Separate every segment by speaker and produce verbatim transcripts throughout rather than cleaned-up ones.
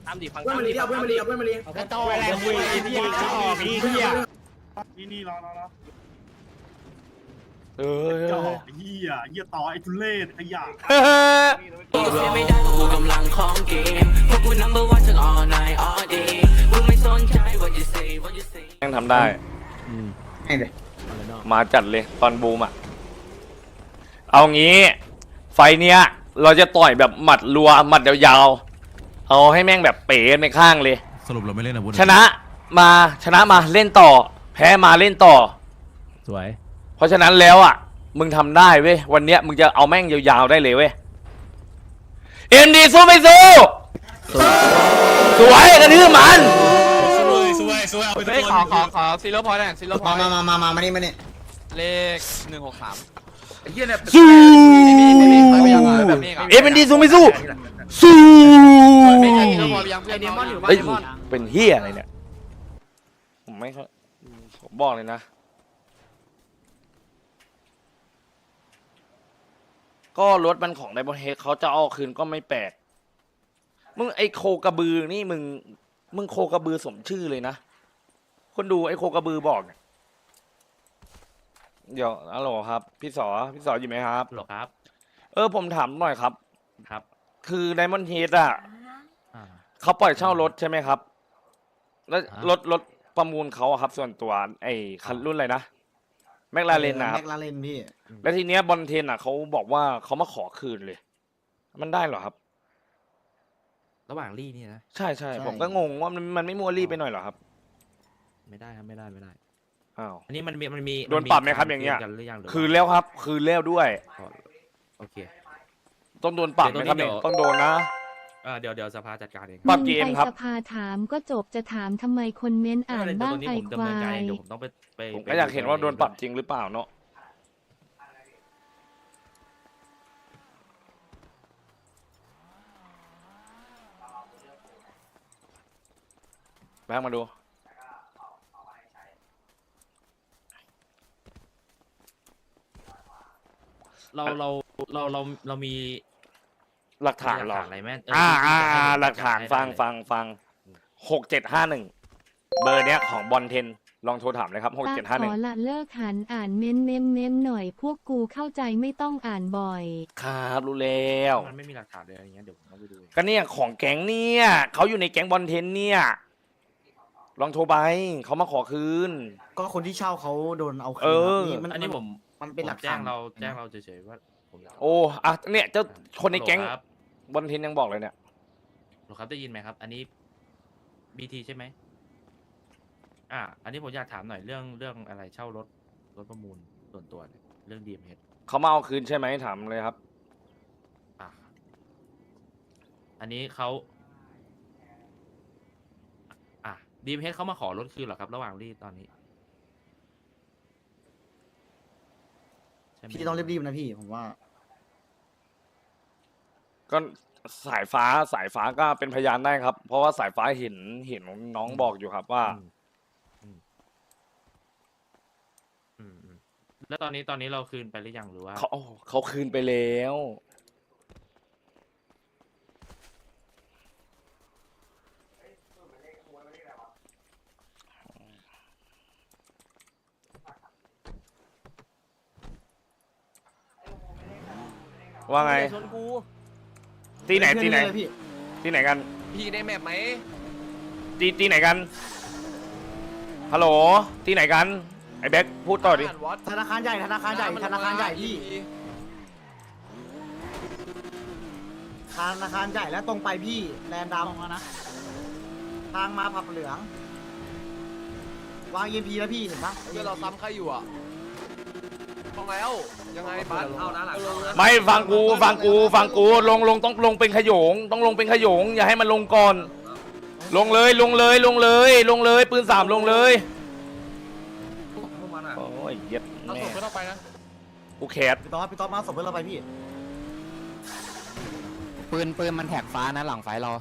Speaker 1: ตามดิฟัง
Speaker 2: เพื่อนมาลีเอาเพื่อนมาลีเอาเพื่อนมาลี
Speaker 3: กระจอกอะไรคุยไอ้เหี้ยกระจอกไอ้เหี้ย
Speaker 4: นี่นี่รอรอรอ
Speaker 5: เออ
Speaker 4: เจ้าเหี้ยเหี้ยต่อไอ้ทุเล่ขยะ
Speaker 6: ไม่ได้กูกำลังของเกมพวกกู number one ทั้ง all night all day กูไม่สนใจ what you say what you say
Speaker 5: ยังทำได้
Speaker 2: ให้เลย
Speaker 5: มาจัดเลยตอนบูมอ่ะเอางี้ไฟเนี้ยเราจะต่อยแบบหมัดรัวหมัดยาวๆเอาให้แม่งแบบเป๋ไปข้างเลย
Speaker 7: สรุปเราไม่เล่นอาวุธ
Speaker 5: ชนะมาชนะมาเล่นต่อ แพ้มาเล่นต่อ
Speaker 3: สวย
Speaker 5: เพราะฉะนั้นแล้วอ่ะมึงทำได้เว้ยวันเนี้ยมึงจะเอาแม่งยาวๆได้เลยเว้ยเอ็มดีสู้ไม่สู้สวยกระทืบมัน
Speaker 7: สวยสวยสวยเอาไปทุก
Speaker 1: เฮ้ย
Speaker 7: ค
Speaker 1: ขอน ขอขอซีโร่พอยต์หน่อยซีโร่พอ
Speaker 2: มาย
Speaker 1: ต์
Speaker 2: มามามามานี่มานี่
Speaker 1: เลขหนึ่งหกสาม
Speaker 2: ไอ้เหี้ยเนี่ย
Speaker 5: สู้
Speaker 1: แบบนี้
Speaker 5: เอ็มดีสู้ไม่สู้สู้
Speaker 1: ไม่ใช่ซีโร่พอยต์ยังเพื่อนมอนอยู่บ้า
Speaker 5: เอ้ย
Speaker 1: น
Speaker 5: เป็นเฮียอะไรเนี่ยผมไม่ค่อยผมบอกเลยนะก็รถมันของไดมอนด์เฮดเขาจะเอาคืนก็ไม่แปลกมึงไอโคกระบือนี่มึงมึงโคกระบือสมชื่อเลยนะคนดูไอโคกระบือบอกเนี่ยเดี๋ยวฮัลโหลครับพี่สอพี่สออยู่ไหมครับ
Speaker 3: หรอครับ
Speaker 5: เออผมถามหน่อยครับ
Speaker 3: ครับ
Speaker 5: คือไดมอนด์เฮดอ่ะ
Speaker 3: อ่า
Speaker 5: เขาปล่อยเช่ารถใช่ไหมครับ แล้ว
Speaker 3: อ่ะ
Speaker 5: รถรถประมูลเขาอะครับ ส่วนตัวไอ้คันรุ่นอะไรนะแมคลาเรนนะครั
Speaker 2: แม็
Speaker 5: บ
Speaker 2: กลาเรนพี่
Speaker 5: แล้วทีเนี้ยบอลเทนอ่ะเขาบอกว่าเขามาขอคืนเลย มันได้เหรอครับ
Speaker 3: ระหว่างลี่นี่นะ
Speaker 5: ใช่ใช่ผมก็งงว่ามันมันไม่มัวรีบไปหน่อยเหรอครับ
Speaker 3: ไม่ได้ครับไม่ได้ไม่ได้
Speaker 5: อ้าว
Speaker 3: อันนี้มันมีมันมี
Speaker 5: โดนปรับไหมครับอย่างเงี้ย
Speaker 3: กันหรือยังหรือว่า
Speaker 5: คืนแล้วครับ คืนแล้วด้วย
Speaker 3: อ๋อโอเค
Speaker 5: ต้องโดนปรับไหมครับ
Speaker 3: เดี๋
Speaker 5: เนี่ย
Speaker 3: ยว
Speaker 5: ต้องโดนนะ
Speaker 3: เออเดี๋ยวเดี๋ยวสภาจัดการเอง
Speaker 5: ปรับกี่เอ็มครับ
Speaker 8: ไปสภาถามก็จบจะถามทำไมคนเม้นอ่าน
Speaker 3: เดี๋ยว
Speaker 8: บ้าง
Speaker 3: ตัวนี้
Speaker 8: ไอ
Speaker 3: ผม
Speaker 8: ค
Speaker 3: ดำเนิ
Speaker 8: วาน
Speaker 3: การเอง
Speaker 8: ย
Speaker 3: เดี๋ยวผมต้องไปไป
Speaker 5: ผมก็อยากเห็นว่าโดนปรับจริงหรือเปล่าเนาะแบงค์มาดู
Speaker 3: เราเราเราเราเรามี
Speaker 5: หลักฐานเหรอ
Speaker 3: อะไรไหมเ
Speaker 5: อ่า
Speaker 3: ที่
Speaker 5: อ่า
Speaker 3: จะให้
Speaker 5: อ่า
Speaker 3: ผม
Speaker 5: หลักฐาน
Speaker 3: ให้
Speaker 5: ฟัง
Speaker 3: ได้
Speaker 5: ฟังฟังหกเจ็ดห้าหนึ่งเบอร์เนี้ยของบอลเทนลองโทรถามเลยครับหก
Speaker 8: ป้า
Speaker 5: เจ็ด
Speaker 8: ข
Speaker 5: ห้าหนึ่
Speaker 8: อง ละเลิกหันอ่านเม้นเม้มเม้มหน่อยพวกกูเข้าใจไม่ต้องอ่านบ่อย
Speaker 5: ครับรู้แล้ว
Speaker 3: มันไม่มีหลักฐานเลยอะไรเงี้ยเดี๋ยวผมต้องไปดูเอง
Speaker 5: ก็เนี่ยของแก๊งเนี่ยเขาอยู่ในแก๊งบอลเทนเนี่ยลองโทรไปเขามาขอคืน
Speaker 2: ก็คนที่เช่าเขาโดนเอาคืน
Speaker 5: เออ
Speaker 2: ครับนี่มัน
Speaker 3: อันนี้ผม
Speaker 2: มันเป็นหลัก
Speaker 3: ผมแจ้
Speaker 2: ฐาง น
Speaker 3: เราแจ้งเราเฉยๆว่าผมอยาก
Speaker 5: โอ้อะเนี่ยเจ้าคนในแก๊ง
Speaker 3: ฮัลโหลครับ
Speaker 5: บอลเทนยังบอกเลยเนี่ย
Speaker 3: หรอครับได้ยินไหมครับ อันนี้บีทีใช่ไหมอ่า อันนี้ผมอยากถามหน่อยเรื่องเรื่องอะไรเช่ารถรถประมูลส่วนตัวเนี่ยเรื่องดีเอ็มเฮด
Speaker 5: เขามาเอาคืนใช่ไหมถามเลยครับ
Speaker 3: อ่ะอันนี้เขาอ่ะดีเอ็มเฮดเขามาขอรถคืนเหรอครับ ระหว่างรีดตอนนี้ใช่ไหม
Speaker 2: พี่ต้องรีบๆนะพี่ผมว่า
Speaker 5: ก็สายฟ้าสายฟ้าก็เป็นพยานได้ครับ เพราะว่าสายฟ้าเห็นเห็นน้องบอกอยู่ครับว่า
Speaker 3: อืมอืมอืมอืมแล้วตอนนี้ตอนนี้เราคืนไปหรือยังหรือว่า
Speaker 5: เขาเขาคืนไปแล้วว่าไง
Speaker 1: ชนกู
Speaker 5: ตีไหนตีไหน
Speaker 2: เพื่อเลยพี่
Speaker 5: ตีไหนกัน
Speaker 1: พี่ได้แมปไหม
Speaker 5: ตีตีไหนกันฮัลโหลตีไหนกันไอ้แบ็คพูดต่อดิ
Speaker 1: อ่านวอต
Speaker 2: ธนาคารใหญ่ธนาคารใหญ่ธนาคารใหญ่พี่ธนาคารใหญ่แล้วตรงไปพี่แลนด์ดำนะทางมาผับเหลือง วางเอ็มพีแล้วพี่เห็นปะ
Speaker 1: เพื่อเราซ้ำใครอยู่อ่ะมองแล้วยังไงบัสเอานะหลัง
Speaker 5: ไม่ฟังกูฟังกูฟังกูลงลงต้องลงเป็นขโยง ต้องลงเป็นขโยง อย่าให้มันลงก่อน ลงเลยลงเลยลงเลย ลงเลยปืนสามลงเลยโอ้ยเหี้ย็ด
Speaker 1: เอา
Speaker 5: แม่
Speaker 1: ส่งไปต้องไปนะ
Speaker 5: กูแคส
Speaker 2: พี่ต๊อดพี่ต๊อดมาส่งเพื่อนเราไปพี่
Speaker 9: ปืนปืนมันแท็กฟ้านะหลังไฟเรา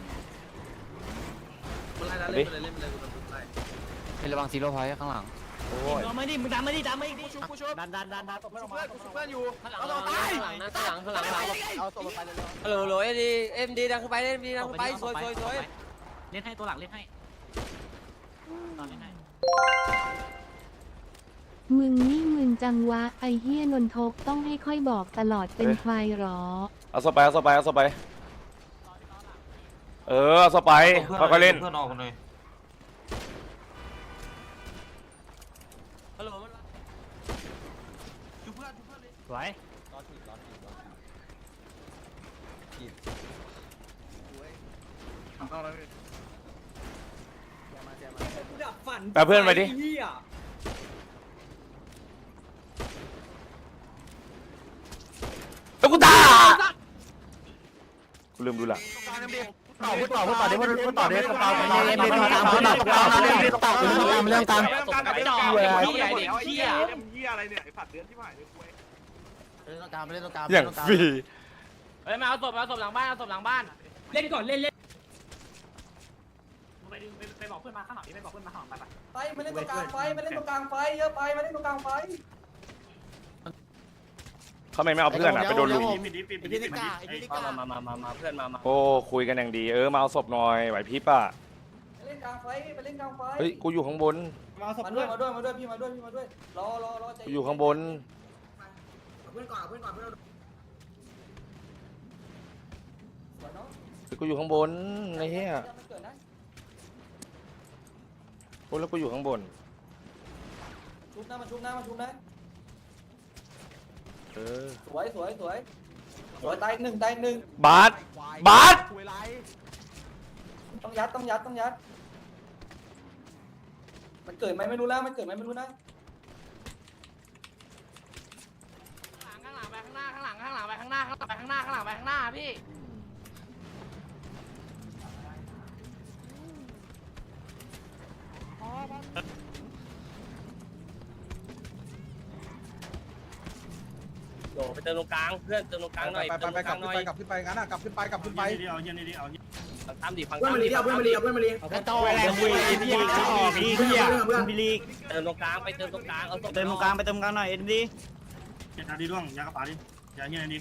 Speaker 1: เล่นไปเลยเล่นไปเลย
Speaker 9: เป็นระวังซีโร่พอยต์ข้างหลัง
Speaker 5: โอ้ย
Speaker 2: มาดิมึงดันมาดิดันมาดิ
Speaker 1: กูชุบกูชุบ
Speaker 2: ดันดันดันดัน
Speaker 1: ชุบเพื่อนกูชุบเพื่อนอยู่
Speaker 10: ข้างหลัง
Speaker 1: เอาต่อตาย
Speaker 10: ข้างหลังนะข้างหลังข้างหลังข้างหลัง
Speaker 1: เอาตัวไปเลย
Speaker 10: ฮัลโหลฮัลโหลเอ็มดีเอ็มดีดังขึ้นไปเอ็มดีดังขึ้นไปสวยสวยสวย
Speaker 2: เล่นให้ตัวหลังเล่นให้ตอนเล่นให้
Speaker 8: มึงนี่มึนจังวะไอเฮียนนทกต้องให้ค่อยบอกตลอดเป็นใครหรอ
Speaker 5: เอาสไปเอาสไปเอาสไปเออเอาสไปค่อยๆเล่น
Speaker 10: เพื่อนออกกันเลยฮัลโหล
Speaker 2: สวย
Speaker 5: แปะเพื่อนไปดิตุ๊กตากูลืมดูหลัง
Speaker 1: ต่อพูดต่อพูดต่อเดี๋ยวพูดต่อเดี๋ยวต่อไป
Speaker 2: เล่นเล่นตามเล่นตามเล่นตามเล่นตาม
Speaker 1: ไอ้จ่อไอ้เหี้ยเด็กเหี้ย
Speaker 4: เหี้ยอะไรเนี่ยไอ้สัตว์เดือนที่ผ่านเลยคุย
Speaker 1: เล่นตรงกลางเล่นตรงกลาง
Speaker 5: อย่างฟรี
Speaker 10: เฮ้ยมาเอาศพเอาศพหลังบ้านเอาศพหลังบ้าน
Speaker 2: เล่นก่อนเล่นเล่นไปดึงไปบอกเพื่อนมาข้างหลังนี่ไปบอกเพื่อนมาข้างหลังไป
Speaker 1: ไปมาเล่นตรงกลางไฟมาเล่นตรงกลางไฟเยอะไปมาเล่นตรงกลางไฟ
Speaker 5: เขาไม่ไม่เอาเพื่อนอ่ะไปโดนลุย
Speaker 4: ปิดดิปิดดิปิดดิ
Speaker 10: มามามามามาเพื่อนมามา
Speaker 5: โอ้คุยกันอย่างดีเออมาเอาศพหน่อยไหวพริบอ่ะ
Speaker 1: มาเล่นกลางไฟมาเล่นกลางไฟ
Speaker 5: เฮ้ยกูอยู่ข้างบน
Speaker 1: มาด้วยมาด้วยมาด้วยพี่มาด้วยพี่มาด้วยรอรอรอใจ
Speaker 5: กูอยู่ข้างบน
Speaker 1: เพื่อนก่อนเพื่อนก่อนเพื่อนสวยเนาะ
Speaker 5: กูอยู่ข้างบนไอ้เหี้ย
Speaker 1: มันเกิดนะ
Speaker 5: โอ้แล้วกูอยู่ข้างบน
Speaker 1: ชุบนะมาชุบนะมาชุบนะ
Speaker 5: เออ
Speaker 1: สวยสวยสวยสวยตายหนึ่งตายหนึ่ง
Speaker 5: บาสบาส
Speaker 1: ต้องยัดต้องยัดต้องยัดมันเกิดไหมไม่รู้แล้วมันเกิดไหมไม่รู้นะ
Speaker 10: ข้างหลังไปข้างหน้าข้างหลังข้างหลังไปข้างหน้าข้างหลังไปข้างหน้าข้างหลังไปข้างหน้าพี่ โดไปเติมตรงกลางเพื่อนเติมตรงกลางหน่อย
Speaker 1: ไปไปไปกลับขึ้นไปกลับขึ้นไปงั้นอ่ะกลับขึ้นไปกลับขึ้นไป
Speaker 4: เดี๋ยวเย็นดีเอาเย็น
Speaker 10: ตามดิฟัง
Speaker 1: เพื่อนมาลีเพื่อนมาลีเพื่อนมาลี
Speaker 2: กระโตแรงคุยไอ้พี่จะออกพี่เฮียคุณบิลี
Speaker 10: เติมตรงกลางไปเติมตรงกลางเอา
Speaker 2: เติมตรงกลางไปเติมกลางหน่อยเอ็นดี
Speaker 4: เย็นดีร่วงยากระป๋าดิยาเย็นดี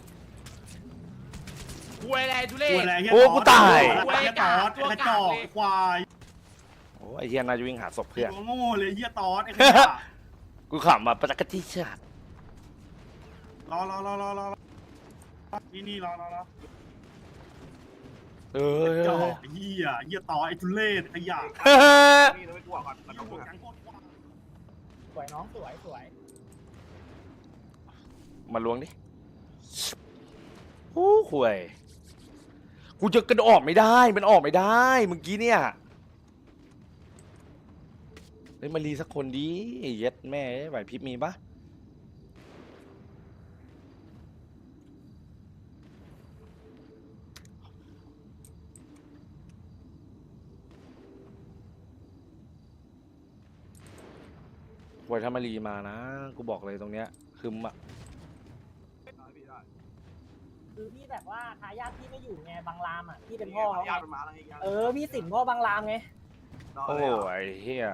Speaker 10: คุยอะไรทุเรศ
Speaker 5: โอ้กูตาย
Speaker 4: ไอ้ตอดไอ้กระจอกไอ้ควาย
Speaker 5: โอ้ไอ้เหี้ยน่าจะวิ่งหาศพเพื่อน
Speaker 4: ตัวโง่เลยเหี้ยตอดไอ้ขยะ
Speaker 5: กูขำแบบประจักษ์ที่ชาติ
Speaker 4: รอรอรอรอรอนี่นี่รอรอรอ
Speaker 5: เออ
Speaker 4: จอกเหี้ยเหี้ยตอไอ้ทุเรศขยะนี่เราไปกลัวก่อนมันต้องกลัวกัน
Speaker 2: สวยน้องสวยสวย
Speaker 5: มาล้วงดิโอ้ห่วยกูจะกระโดดออกไม่ได้มันออกไม่ได้เมื่อกี้เนี่ยเฮ้ยมารีสักคนดิเย็ดแม่ไหวพริบมีปะห่วยถ้ามารีมานะกูบอกเลยตรงเนี้ยคือมะ
Speaker 2: คือพี่แบบว่าทายาทพี่ไม่อยู่ไงบางรามอ่ะพี่เป็นพ่อเขา
Speaker 4: ญาติมันมาแล้วไง
Speaker 2: เออพี่สินพ่อบางรามไง
Speaker 5: โอ้ไอ้เหี้ย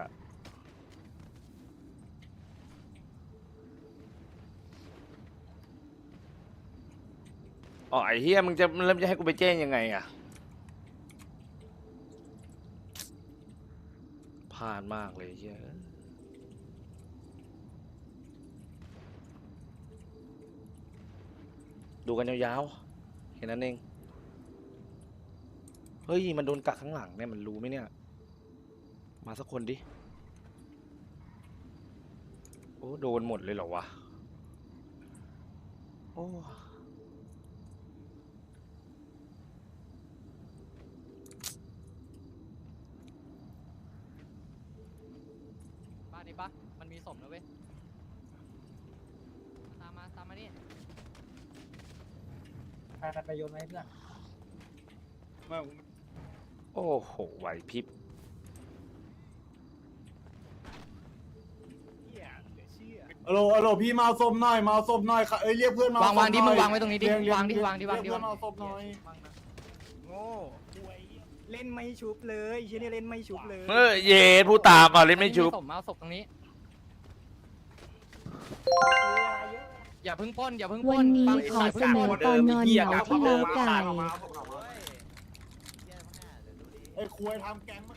Speaker 5: อ๋อไอ้เหี้ยมึงจะเริ่มจะให้กูไปแจ้งยังไงอะพลาดมากเลยเหี้ยดูกันยาวๆแค่นั้นเองเฮ้ยมันโดนกักข้างหลังเนี่ยมันรู้ไหมเนี่ยมาสักคนดิโอ้โดนหมดเลยเหรอวะโอ้
Speaker 10: บ้านนี้ปะมันมีศพนะเว้ยตามมาตามมานี่
Speaker 2: ไปไปไปโยนไว้ให้เพื่อน
Speaker 5: โอ้โหไหวพริบ
Speaker 1: ฮัลโหลฮัลโหลพี่มาศพหน่อยมาศพหน่อยค่ะเอ้ยเรียกเพื่อนมาว
Speaker 9: างวางดิมึงวางไว้ตรงนี้ดิวางดิวางดิวางดิ
Speaker 1: เรียก
Speaker 9: วาง
Speaker 1: เพื่อนมาศพหน่อย
Speaker 2: โง่เล่นไม่ชุบเลยเชี่ยนี่เล่นไม่ชุบเลย
Speaker 5: เออเย็ดผู้ตามอ่ะเล่นไม่ชุบ
Speaker 10: ศพมาเอาศพตรงนี้อย่าเพึ่งปล้นอย่าเพึ่งป
Speaker 8: วั
Speaker 10: ล้
Speaker 8: น
Speaker 10: น
Speaker 8: นี้
Speaker 10: ฟัง
Speaker 8: ขอเสนอตอนนอนเหงาที่เล้าไก่
Speaker 4: ไอ้คุยทำแก๊ง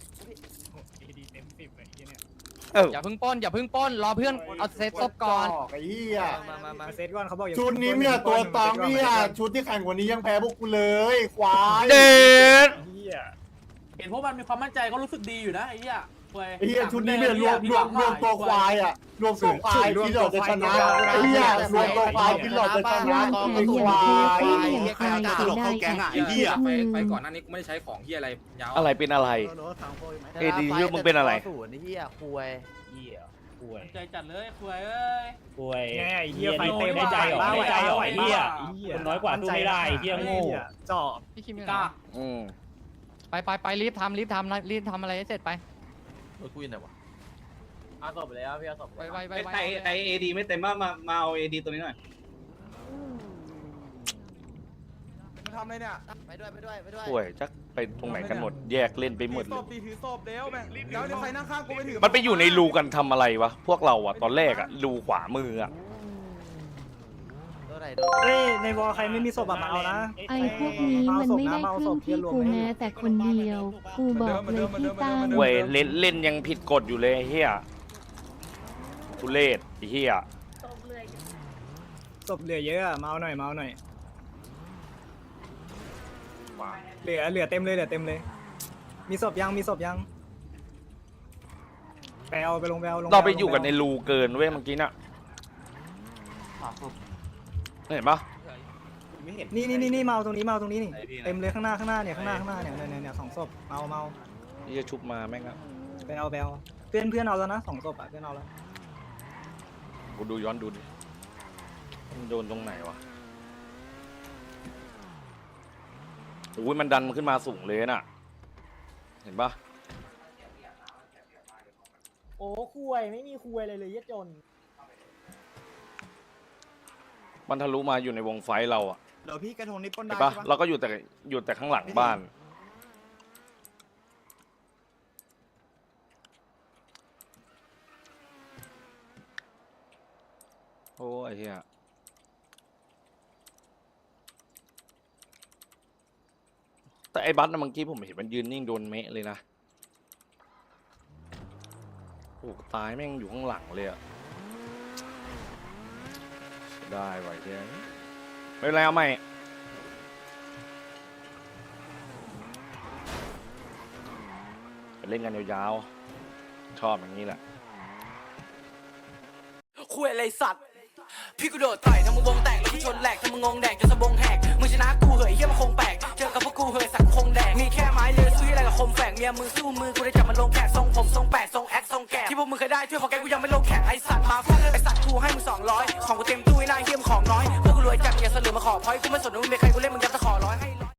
Speaker 5: เออ
Speaker 10: อย่าเพึ่งปล้นอย่าเพึ่งปล้นรอเพื่อนเอาเซตซบก่อน
Speaker 4: ไอ้เหี้ย
Speaker 2: มามามาเซตก่อนเขาบอก
Speaker 4: ชุดนี้เนี่ยตัวตองเนี่ยชุดที่แข่งกว่านี้ยังแพ้พวกกูเลยควาย
Speaker 5: เด็ด
Speaker 9: เห็นพวกมันมีความมั่นใจก็รู้สึกดีอยู่นะไอ้เหี้ย
Speaker 4: ไอ้เหี้ยชุดนี้เนี่ยรวมรวมรวมตัวควายอ่ะรวมตัวควายที่หลอดจะชนะไอ้เหี้ยรวมตัวควายที่หลอดจะชนะไอ้ควาย
Speaker 8: ใครจะตลกเข้าแก๊งอ่ะไอ้เหี้ย
Speaker 1: ไปไปก่อนหน้านี้กูไม่ได้ใช้ของเฮียอะไรยาว
Speaker 5: อะไรเป็นอะไร เอดีเยอะมึงเป็นอะไร
Speaker 9: ศูนย์ไอ้เหี้ยคุย
Speaker 7: เหี้ยป่วย
Speaker 9: ใจจัดเลยคุยเอ้ย
Speaker 7: ป่วย
Speaker 2: แง่เหี้ยไฟเต็ม
Speaker 7: ได้ใจเหรอได้ใจเหรอไอ้เหี้ย คนน้อยกว่าสู้ไม่ได้เหี้ยโง่
Speaker 2: จอบ
Speaker 10: พี่คิมอยู่
Speaker 9: ก
Speaker 10: ไหน
Speaker 9: ล้า
Speaker 5: อืม
Speaker 10: ไปไปไปรีบทำรีบทำรีบทำอะไรให้เสร็จไป
Speaker 1: รถกูอยู่ไหนวะ
Speaker 9: เอาศพไปแล้วพี่เอาศพ
Speaker 10: ไปไปไปไป
Speaker 9: ใครใครเอดีไม่เต็มมามามาเอาเอดีตัวนี้หน่อย
Speaker 1: มาทำอะไรเนี่ย
Speaker 10: ไปด้วยไปด้วยไปด้วย
Speaker 5: ป่วยจักไปตรงไหนกันหมด แยกเล่นไปหมด
Speaker 1: ศ
Speaker 5: เลย
Speaker 1: พตีถือศพเร็วแม่งเดี๋ยวเดี๋ยวใครนั่งข้างกูไปถือ
Speaker 5: มันไปอยู่ในรูกันทำอะไรวะ พวกเราอะตอนแรกอะรูขวามืออะ
Speaker 10: ตัวไหน
Speaker 2: เฮ้ยในวอลใครไม่มีศพอะมาเอานะ
Speaker 8: ไอ้พวกนี้มันไม่ได้ครึ่งที่กูแม้แต่คนเดียว กูบอกเลยพี่ตั้ม
Speaker 5: เว้ยเล่นเล่นยังผิดกฎอยู่เลยไอ้เฮียทุเรศไอ้เฮีย
Speaker 2: ศพเหลือเยอะอะมาเอาหน่อยมาเอาหน่อยเหลือเหลือเต็มเลยเหลือเต็มเลย มีศพยังมีศพยังไปเอาไปลงไปเอาลง
Speaker 5: เราไปอยู่กันในรูเกินเว้ยเมื่อกี้น่ะเห็นปะ
Speaker 2: นี่นี่นี่นี่มาเอาตรงนี้มาเอาตรงนี้นี่เต็มเลยข้างหน้าข้างหน้าเนี่ยข้างหน้าข้างหน้าเนี่ยเนี่ยเนี่ยสองศพเอาเมา
Speaker 5: นี่จะชุบมาแม่งอะ
Speaker 2: ไปเอาไปเอาเพื่อนเพื่อนเอาแล้วนะสองศพอะเพื่อนเอาแล้ว
Speaker 5: กูดูย้อนดูดิมันโดนตรงไหนวะโอ้ยมันดันมันขึ้นมาสูงเลยน่ะ เห็นปะ
Speaker 2: โอ้คุยไม่มีคุยเลยเลยยะจน
Speaker 5: มันทะลุมาอยู่ในวงไฟเราอะ
Speaker 2: เดี๋ยวพี่กระทงนี้ปน
Speaker 5: เห็
Speaker 2: ได้
Speaker 5: นปะเราก็อยู่แต่อยู่แต่ข้างหลังบ้าน โอ้ไอ้เหี้ยแต่ไอ้บัสนะเมื่อกี้ผมเห็นมันยืนนิ่งโดนเมะเลยนะโอ้ตายแม่งอยู่ข้างหลังเลยอะได้ไว้เหี้ยไม่เป็นไรเอาใหม่ไปเล่นกันยาวๆชอบอย่างนี้แหละ
Speaker 6: คุยอะไรสัตว์ พี่กูโดดต่อยทำมึงวงแตกแล้วกูชนแหลกทำมึงงงแดกจนสะบงแหกมึงชนะกูเหยเฮียมันคงแปลกเจอกับพวกกูเหยสักคงแดกมีแค่ไม้เลือซื้ออะไรกับคมแฝกเมียมึงสู้มือกูได้จับมันลงแขกทรงผมทรงแปดทรงแอคทรงแกะที่พวกมึงเคยได้ช่วยพอแกกูยังไม่ลงแขกไอสัตว์มาฟังไอสัตว์กูให้มึงสองร้อยของกูเต็มตู้ไอ้นายเฮียมของน้อยพวกกูรวยจัดอย่าเสลือมาขอพอยกูไม่สนว่ามึงเป็นใครกูเล่นมึงยับ